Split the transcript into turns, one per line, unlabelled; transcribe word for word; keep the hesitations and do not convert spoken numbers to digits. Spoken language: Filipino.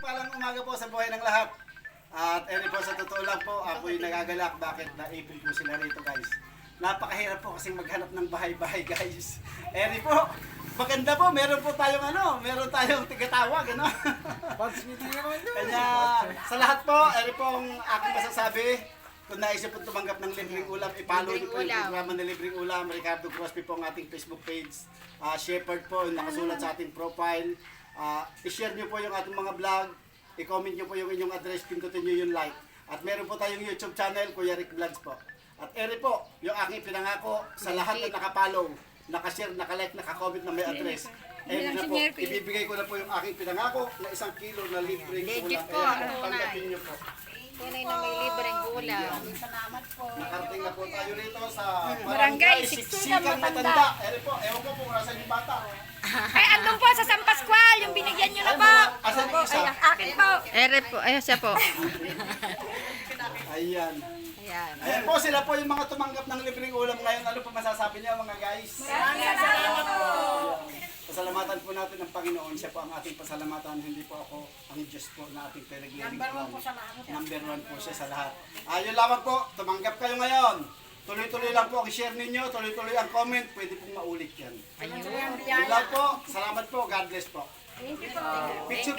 mapagpalang umaga po sa buhay ng lahat. At eri po, sa totoo lang po, ako yung nagagalak. Bakit naipon po sila rito, guys? Napakahirap po kasing maghanap ng bahay-bahay, guys. Eri po, maganda po, meron po tayong ano, meron tayong tigatawag, ano? Kanya, sa lahat po, eri po ang aking masasabi. Kung naisip po tumanggap ng libreng ulam, ipalo niyo po yung programa ng libreng ulam. Ricardo Crosby po ang ating Facebook page. Uh, Shepherd po, yung nakasulat sa ating profile. Uh, i-share niyo po yung ating mga vlog. I-comment niyo po yung inyong address, pindutin niyo yung like. At meron po tayong YouTube channel, Kuya Rick Vlogs po. At eri po, yung aking pinangako sa lahat na nakapollow, nakashare, nakalike, nakakomment na may address. Eri na po, ibibigay ko na po yung aking pinangako na isang kilo na libreng ulam. Eri po, tanggapin niyo po.
Tunay na may libreng ulam.
Salamat po.
Nakarating na po tayo rito sa
Barangay
Siksikan Matanda. Eri po, ewan ko po kung nasa yung bata.
Ay, andun po sa San Pascual, yung binigyan nyo na po.
Asan yung isa?
Ay, akin po.
Ere po, ayun siya po.
Ayan.
Ayan.
Ayan po, sila po yung mga tumanggap ng libreng ulam ngayon. Ano po masasabi niyo mga guys?
Salamat po.
Pasalamatan po natin ang Panginoon. Siya po ang ating pasalamatan. Hindi po ako ang Diyos po na ating pinag-iiling.
Number one po sa lahat.
Number one po siya sa lahat. Ayun lamang po, tumanggap kayo ngayon. Tuloy-tuloy lang po ang share ninyo, tuloy-tuloy ang comment. Pwede pong maulit yan.
Ayun.
Yun lang po. Salamat po. God bless po.
Thank you po.
Picture